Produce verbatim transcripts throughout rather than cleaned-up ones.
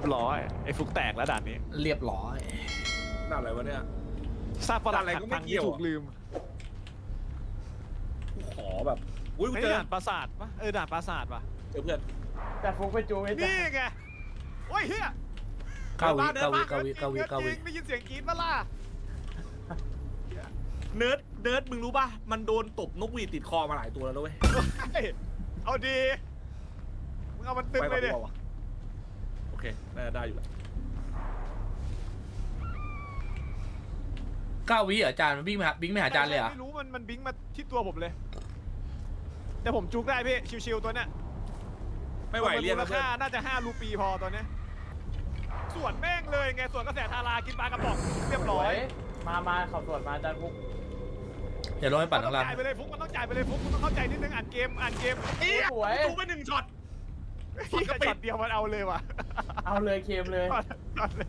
บร้อยไอ้ฟุกแตกแล้วด่านนี้เรียบร้อยด่านอะไรวะเนี่ยซาปรักอะไรก็ไม่พังเกี่ยวที่ถูกลืมกูขอแบบอุ้ยกูไอ้เจอด่านปราสาทปะเออด่านปราสาทปะเจอเพื่อนแต่ฟุกไปจูไว้จ้ะนี่ไงโอ้ยเฮียเก้าวิเก้าวิเก้าวิเก้าวิเก้าวิได้ยินเสียงกรี๊ดปะล่ะเนิร์ดเนิร์ดมึงรู้ป่ะมันโดนตบนกหวีดติดคอมาหลายตัวแล้วด้วยเฮ้ยเอาดีมึงเอามันตึงไปเลยก่อนดิดีกว่าวะโอเคน่าจะได้อยู่แหละเก้าวิเหรออาจารย์มันวิ่งมาวิ่งไม่หาอาจารย์เลยเหรอไม่รู้มันมันบิงมาที่ตัวผมเลย แต่ผมจุกได้พี่ชิวๆตัวเนี้ยไม่ไหวเรียนราแล้วเพื่อนคาน่าจะห้ารูปีพอตัวเนี้ยส่วนแม่งเลยไงส่วนกระแสทารากินปลากระป๋องเรียบสร้อวย ยมามาเขาตรวจมาอาจารย์ฟุกเดี๋ยวลงไปปั่นมันข้าต้องงล่างจ่ายไปเลยฟุกมันต้องจ่ายไปเลยฟุกมันต้องเข้าใจนิดนึงอ่านเกมอ่านเกมเอี้ยสวยดูไปหนึ่งช็อตที่ช็อตเดียวมันเอาเลยว่ะเอาเลยเคมเลยช็อตเลย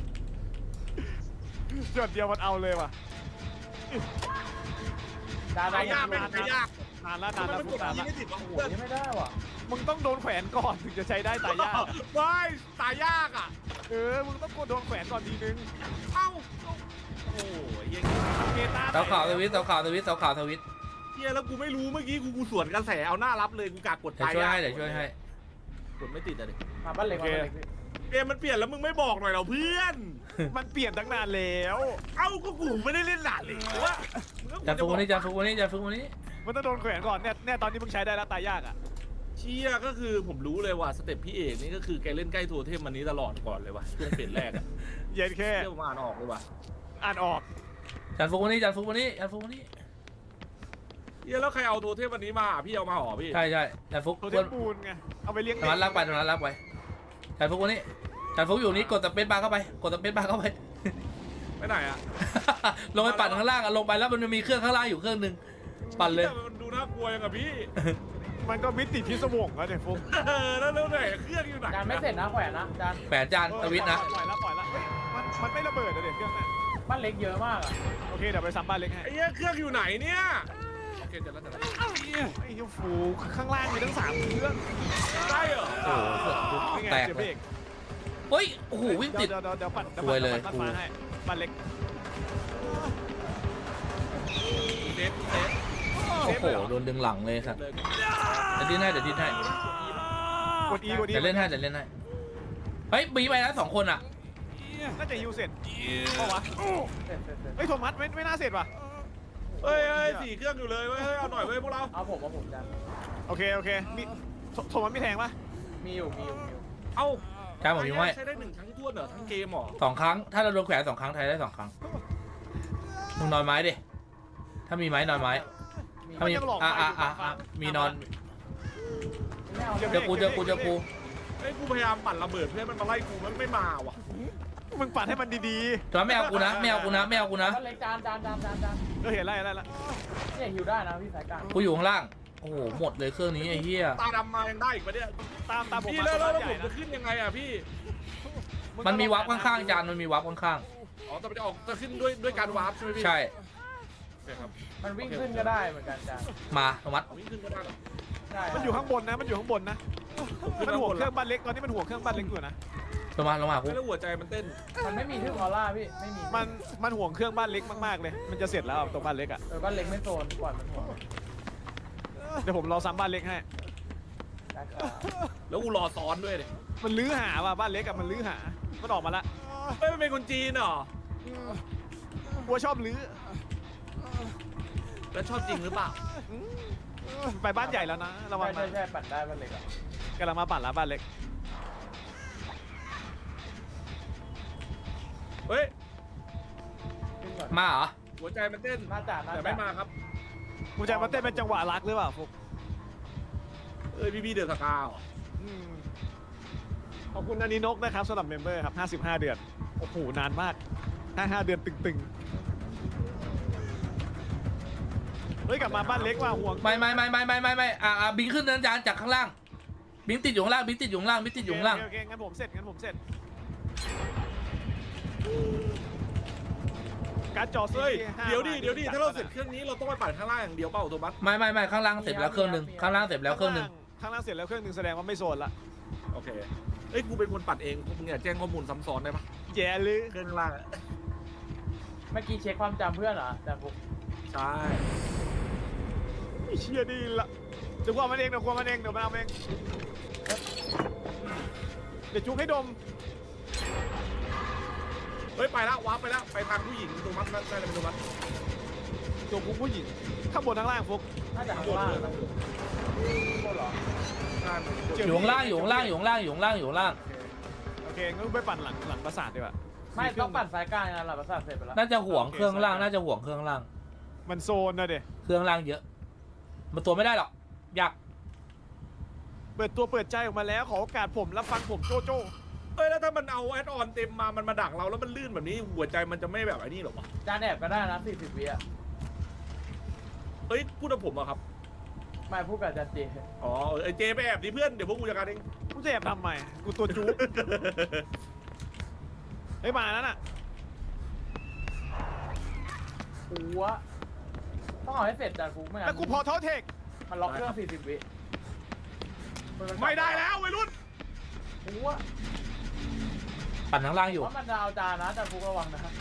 ช็อตเดียวมันเอาเลยว่ะดาตาดายยากไม่ตายยากนานแล้วนานทำไมแล้วมันฟุกกดนานนี้แล้วไม่ติดวะโอ้โหเพื่อนนี่ไม่ได้ว่ะมึงต้องโดนแขวนก่อนถึงจะใช้ได้ตายยากไม่ตายยากอ่ะเออมึงต้องโดนแขวนก่อนทีนึงเอ้าโอ้ยเหี้ยเมตาเสาขาวทวิตเสาขาวทวิตเสาขาวทวิตเฮียแล้วกูไม่รู้เมื่อกี้กูกูสวนกระแสเอาหน้ารับเลยกูกากกดเดี๋ยวตายช่วยยากให้เดี๋ยวช่วยให้กดไม่ติดอะดิมาบ้านเหล็กมาบ้านเหล็กพี่เกมมันเปลี่ยนแล้วมึงไม่บอกหน่อยเหรอเพื่อนมันเปลี่ยนตั้งนานแล้วเอ้าก็กูไม่ได้เล่นหลานเลยว่าอาจารย์ฟุกวันนี้อาจารย์ฟุกวันนี้อาจารย์ฟุกวันนี้มันต้องโดนแขวนก่อนเนี่ยเนี่ยตอนนี้มึงใช้ได้แล้วตายยากอ่ะเชี่ยก็คือผมรู้เลยว่าสเต็ปพี่เอกนี่ก็คือแกเล่นใกล้โทเทมมันนี้ตลอดก่อนเลยว่ะช่วงเปลี่ยนแรกอะเย็นแค่เที่ยวมาอ่านออกเลยว่ะอ่านออกอาจารย์ฟุกวันนี้อาจารย์ฟุกวันนี้อาจารย์ฟุกวันนี้เฮียแล้วใครเอาโทเทมวันนี้มาพี่เอามาหรอพี่ใช่ใช่อาจารย์ฟุกโทเทมปูนไงเอาไปเลี้ยงตรงนั้นลากไปตรงนั้นลากไปอาจารย์ฟุกวันนี้อาจารย์ฟุกอยู่นี้กดสเปซบาร์เข้าไปกดสเปซบาร์เข้าไปไปไหนอะลงไปปั่นข้างล่างอะลงไปแล้วมันจะมีเครื่องข้างล่างอยู่เครื่องหนึ่งปั่นเลยมันดูน่ากลัวยังอะพี่มันก็มิติพิศวงแล้วเนี่ยฟุ๊กเออแล้วแล้วไหนเครื่องอยู่ไหนอาจารย์ไม่เสร็จนะแขวนนะอาจารย์แปดจานทวิตนะปล่อยแล้วปล่อยแล้วเฮ้ยมันมันไม่ระเบิดเลยเด็กเครื่องน่ะบ้านเล็กเยอะมากอ่ะโอเคเดี๋ยวไปซ้ำบ้านเล็กให้ไอ้เหี้ยเครื่องอยู่ไหนเนี่ยโอเคเสร็จแล้วเสร็จแล้วไอ้เหี้ยฟูข้างล่างมีทั้งสามเครื่องได้เหรอโอ้โหนี่ไงแตกเสียเลเบรยกเฮ้ยโอ้โหวิ่งติดเดี๋ยวเดี๋ยวเดี๋ยวปั่นดี๋วซวยเลยปั่นปั่นให้บ้านเล็กเซฟเซฟโอ้โหโดนดึงหลังเลยครับเลยเดี๋ยวดิ้นให้เดี๋ยวดิ้นให้กดอีกดอีเดี๋ยวเล่นให้เดี๋ยวเล่นให้เฮ้ยบีไปแล้วสองคนอ่ะน่าจะฮิวเสร็จเปล่าวะเสร็จเสร็จเสร็จเฮ้ยโทมัสไม่ไม่น่าเสร็จว่ะเฮ้ยเฮ้ยสี่เครื่องอยู่เลยเว้ยเฮ้ยเอาหน่อยเว้ยพวกเราเอาผมเอาผมอาจารย์โอเคโอเคมีโทโทมัสไม่แทงปะมีอยู่มีอยู่มีอยู่เอ้าใช่ผมยิงไว้ใช้ได้หนึ่งครั้งท้วนเหรอทั้งเกมเหรอสองครั้งถ้าเราโดนแขวนสองครั้งไทยได้สองครั้งมึงนอนไม้ดิถ้ามีไม้นอนไม้มีถ้ามีอ่ะอ่ะอ่ะอ่ะมีนอนไม่เอาเจอกูเจอกูเจอกูเฮ้ยกูพยายามปั่นระเบิดเพื่อนมันมาไล่กูมันไม่มาว่ะมึงปัดให้มันดีจอนไม่เอากูนะไม่เอากูนะไม่เอากูนะบ้านเล็กจานจานจานจานจานๆก็เห็นไล่ไล่ละเนี่ยฮิวได้นะพี่สายกลางกูอยู่ข้างล่างโอ้โหหมดเลยเครื่องนี้ไอ้เหี้ยตาดำมายังได้อีกปะเนี่ยตามตามผมพี่มาแล้วแล้วตัวแล้วใหผญ่มนะจะขึ้นยังไงอะพี่มันมีวาร์ปข้างๆจานมันมีวาร์ปข้างอ๋อแต่มันจะออกจะขึ้นด้วยด้วยการวาร์ปใช่ไหมพี่ๆใช่โอเคครับมันวิ่งขึ้นก็ได้เหมือนกันอาจารย์มาโทมัสวิ่งขึ้นก็ได้เหรอใช่มันอยู่ข้างบนนะ มันอยู่ข้างบนนะ มันห่วงเครื่องบ้านเล็กตอนนี้มันห่วงเครื่องบ้านเล็กอยู่นะลงมาลงมากูไม่แล้วหัวใจมันเต้นมันไม่มีทึ่งออร่าพี่ไม่มีมันมันห่วงเครื่องบ้านเล็กมากๆเลย มันจะเสร็จแล้วตรงบ้านเล็กอ่ะเออบ้านเล็กไม่โซนปล่อยมันหัวเดี๋ยวผมรอซ้ำบ้านเล็กให้ได้ครับแล้วกูรอซ้อนด้วยเนี่ยมันลื้อหาว่ะบ้านเล็กอะมันลื้อหา มันออกมาละเฮ้ยมันเป็นคนจีนเหรอกลัวชอบลื้อแล้วชอบจริงหรือเปล่าไปบ้านใหญ่แล้วนะระวังใช่นะใช่ใช่ปั่นได้บ้านเล็กอ่ะกำลังมาปั่นละบ้านเล็กเฮ้ยขึ้นก่อนมาเหรอหัวใจมันเต้นน่าจะน่าแต่จะไม่มาครับกูจะมาเต้นเป็นจังหวะรักหรือเปล่าฟุกเอ้ยพี่พี่เดือดสกาวอืมขอบคุณนันนีนกนะครับสำหรับเมมเบอร์ครับห้าสิบห้าเดือน โอ้โหนานมากห้าห้าเดือนตึงๆ เฮ้ยกลับมาบ้านเล็กว่ะห่วงไม่ไม่ไม่ไม่ไม่ไม่ไม่อ่าอ่าบิงขึ้นเนินจานจากข้างล่างบิงติดอยู่ข้างล่างบิงติดอยู่ข้างล่างบิงติดอยู่ข้างล่างโอเคโอเคงั้นผมเสร็จงั้นผมเสร็จ การ์ดจอซีเฮ้ยห้าเดี๋ยวดิมาเดี๋ยวดิถ้าเราเสร็จเครื่องนี้เราต้องไปปั่นข้างล่างอย่างเดียวเปล่าโทมัสไม่ไม่ไม่ข้างล่างเสร็จแล้วเครื่องหนึ่งข้างล่างเสร็จแล้วเครื่องหนึ่งข้างล่างเสร็จแล้วเครื่องหนึ่งแสดงว่าไม่โซนละโอเคเอ้ยกูเป็นคนปัดเองมึงอย่าแจ้งข้อมูลซ้ำซ้อนได้ปะแย่เลยเครื่องล่างอะเมื่อกี้เช็คความจำเพื่อนเหรอแต่ผมใช่ไอ้เชี่ยดีละเดี๋ยวกว่ามันเองเดี๋ยวกว่ามันเองเดี๋ยวมันเอาเองเดี๋ยวจุกให้ดมเฮ้ยไปแล้ววาร์ปไปแล้วไปทางผู้หญิงตรงนั้นนั่นนั่นเป็นตรงนั้นตัวกูผู้หญิงข้างบนข้างล่างฟุกน่าจะข้างล่างนะโคตรเหรอใช่อยู่ข้างล่างอยู่ข้างล่างอยู่ข้างล่างอยู่ข้างล่างอยู่ข้างล่างโอเคงั้นไปปั่นหลังหลังปราสาทดีกว่าไม่ต้องปั่นสายกลางนะหลับประสาทเสร็จไปแล้วน่าจะห่วงเครื่องล่างน่าจะห่วงเครื่องล่างมันโซนนะเด็เครื่องล่างเยอะมันตัวไม่ได้หรอกยากเปิดตัวเปิดใจออกมาแล้วขอโอกาสผมรับฟังผมโจโจ้เอ้ยแล้วถ้ามันเอาแอดออนเต็มมามันมาดักเราแล้วมันลื่นแบบนี้หัวใจมันจะไม่แบบไอ้นี่หรอวะจานแอบก็ได้นะสี่สิบวิอ่ะเอ้ยพูดกับผมอะครับไม่พูดกับจันจีอ๋อไอเจไปแอบดิเพื่อนเดี๋ยวพวกกูจัดการเองกูจะแอบทำไมกูตัวจุกเฮ้ยมาแล้วน่ะหัวต้องเอาให้เสร็จจานฟุกไม่งั้นแล้วกูพอเท่าเทคมันล็อกเครื่องสี่สิบวิไม่ได้แล้ววัยรุ่นหัวปั่นข้างล่างอยู่เพราะมันจะเอาจานนะจานฟุกระวังนะครับ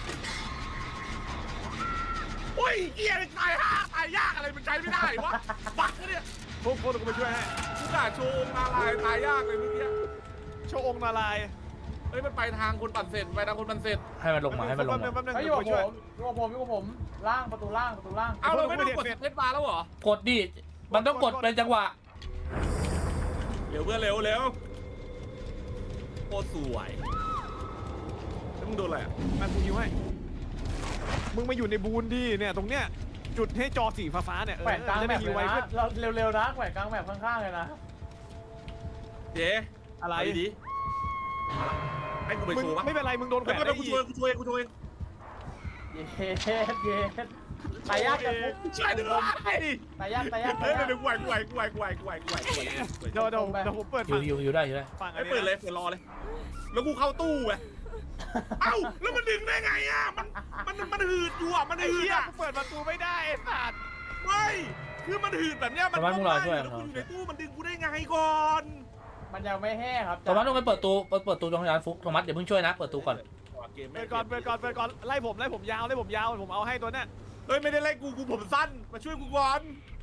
โอ้ยเกียร์ตายห่าตายยากอะไรมันใช้ไม่ได้วะบักเนี่ยฟุกฟุกเดี๋ยวกูไปช่วยให้กูกะโชว์นาลายตายยากเลยเมื่อกี้โชว์องค์นารายณ์เฮ้ยมันไปทางคนปั่นเสร็จไปทางคนปั่นเสร็จให้มันลงมาให้มันลงแป๊บนึมางแป๊บนึงเฮ้ยอเดี๋ยยู่วกับกูผช่วยมอยู่กับผมอยู่กับผมล่างประตูล่างประตูล่างเอาเราไม่ต้องกดเซตบาร์แล้วเหรอกดดิมันต้องกดเป็นจังหวะเร็วเพื่อนเร็วเร็วโคตรสวยแล้วมึงโดนอะไรอ่ะมากูยิวให้มึงมาอยู่ในบูนดิเนี่ยตรงเนี้ยจุดให้จอสีฟ้าๆเนี่ยเออแขวนกลางจะแบได้บยิเลวย ไวนะขึ้นเราเร็วๆนะแขวนกลางแบบข้างๆเลยนะเจ๊อะไรเาดีๆให้กูไปมึงโชว์ปะไม่เป็นไรมึงโดนแขวไม่นเป็นไรได้กูอีช่วยกกูช่วยกูช่วยเย็ดเย็ดตายยากจังฟุกช่วยด้วยตายยากตายยากเฮ้ตาย ยยากเดี๋ยวกูไหวกูไหวกูไหวกูไหวกูไหวกูไหวกูไหวกูไหวเดี๋ยวเดี๋ยวเดี๋ยวผมเปิดอยู่ฝั่งอยู่อยู่ได้อยู่ได้ฝั่งอัไอ้นนี้เปิดเลยเปิดรอเลย แล้วกูเข้าตู้ไงเอ้าแล้วมันดึงได้ไงอ่ะมันมันมันหืดอยู่อ่ะมันไอ้หืดเหี้ยอ่ะกูเปิดประตูไม่ได้ไอ้สัตว์ไม่คือมันหืดแบบเนี้ยมันประมาณมึงรอช่วยแล้วกูอยู่ในตู้มันดึงกูได้ไงก่อนมันยังไม่แห้งครับโทมัสต้องไปเปิดตูเปิดเปิดตูตรงร้านฟุกโทมัสเดี๋ยวเพิ่งช่วยนะเปิดตูก่อนเกมเปิดก่อนเปิดก่อนเปิดก่อนไล่ผมไล่ผมยาวไล่ผมยาวผมเอาให้ตัวเนี้ยเฮ้ยไม่ได้ไล่กูกูผมสั้นมาช่วยกูก่อน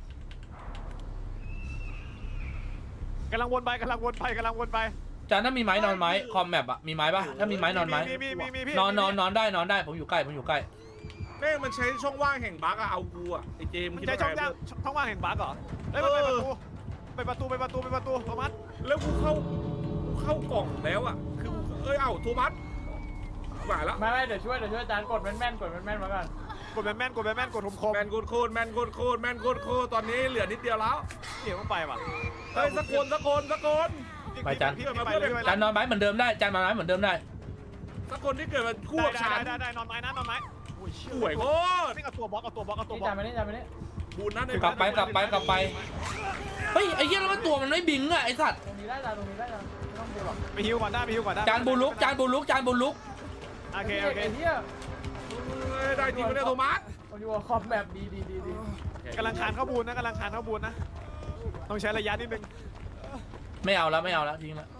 กำลังวนไปกำลังวนไปกำลังวนไปจานถ้ามีไม้นอนไม้คอมแมปอะมีไม้ปะถ้ามีไม้นอนไม้มีมีมีมีพี่นอนนอนนอนได้นอนได้ผมอยู่ใกล้ผมอยู่ใกล้แม่งมันใช้ช่องว่างแห่งบั๊กอะเอากูอะไอเจมมันคิดใช้ว่าช่องไงย่างช่องว่างแห่งบั๊กเหรอเฮ้ยมันไปประตูไปประตูไปประตูไปประตูโทมัสแล้วกูเข้ากูเข้ากล่องแล้วอะคือเอ้ยเอ้าโทมัสหวายแล้วไม่ไม่เดี๋ยวช่วยเดี๋ยวช่วยจานกดแม่นๆกดแม่นๆมาก่อนกดแมนแมนกดแมนแมนกดคมคมแมนโคตรโคตรแมนโคตรโคตรแมนโคตรโคตรตอนนี้เหลือนิดเดียวแล้วเดี๋ยวต้องไปว่ะเฮ้ยสักคนสักคนสักคนพี่ไปเลยจานนอนไม้เหมือนเดิมได้จานนอนไม้เหมือนเดิมได้สักคนที่เกิดมาคู่ได้กับฉันได้ได้นอนไม้นะนอนไม้โอ้ยสวยโคตรนี่เอาตัวบล็อกเอาตัวบล็อกเอาตัวนี่บล็อจาก นไปนี่จานไปนี่บุญนะในกลับไปกลับไปกลับไปเฮ้ยไอ้เหี้ยแล้วมันตัวมันไม่บิงอะไอ้สัตว์ตรงนี้ได้จานตรงนี้ได้จานไม่ต้องดูหรอกไปฮิวก่อนได้ไปฮิวก่อนได้จานบูลุกจานบูลุกจานบูลุกโอเคโอเคไอ้เหี้ยเฮ้ยได้จริงไม่ได้โทมัสผมอยู่กับคอมแบบดีดีดีดีกำลังคานเข้าบูนนะกำลังคานเข้าบูนนะต้องใช้ระยะนิดนึงไม่เอาแล้วไม่เอาแล้วทิ้งแล้ว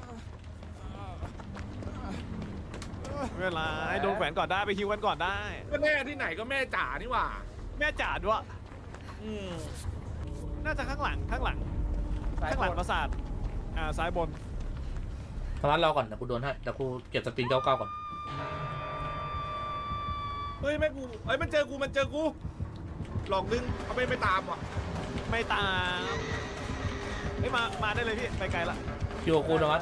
เวลาให้โดนแขวนก่อนได้ไปฮิวกันก่อนได้ก็แม่ที่ไหนก็แม่จ๋านี่หว่าแม่จ๋าด้วยอืมน่าจะข้างหลังข้างหลังสายข้างหลังกปดราสาทอ่าซ้ายบนโทมัสรอก่อนเดี๋ยวกูโดนให้เดี๋ยวกูเก็บสปริงเก้าเก้าก่อนเฮ้ยแม่กูเฮ้ยมันเจอกูมันเจอกูหลอกดึงเอาไม่ไม่ตามว่ะไม่ตามเฮ้ยมามาได้เลยพี่ไปไกลละอยู่กับกูโทมัส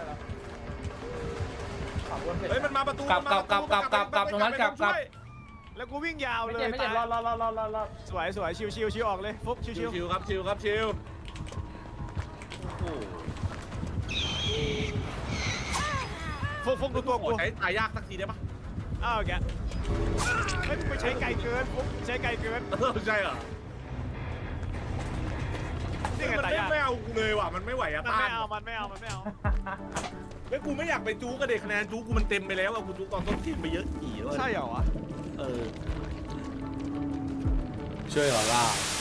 ขับวนเสร็จเฮ้ยมันมาประตูกลับกลับกลับกลับกลับกลับตรงนั้นกลับกลับแล้วกูวิ่งยาวไม่เลยเจ็บไม่เจ็บรอรอรอรอรอรอสวยสวยชิวชิวชิวออกเลยฟุกชิวชิวชิวๆครับชิวครับชิวโอ้โหฟุกฟุกดูตัวขกูอใช้ตายยากสักทีได้ปะอ้าวแกเฮ้ยมึงไปใช้ไกลเกินฟุกใช้ไกลเกินเออใช่เหรอนี่ไงมันตายไม่ยากไม่เอากูเลยว่ะมันไม่ไหวอะมันต้าไม่นเอามันไม่เอามันไม่เอาไม่กูไม่อยากไปจู๊กับเด็กคะแนนจู๊กูมันเต็มไปแล้วอะกูจู๊ตอนต้นทีมไปเยอะกี่เลยใช่เหรอวะเออช่วยก่อนล่าเ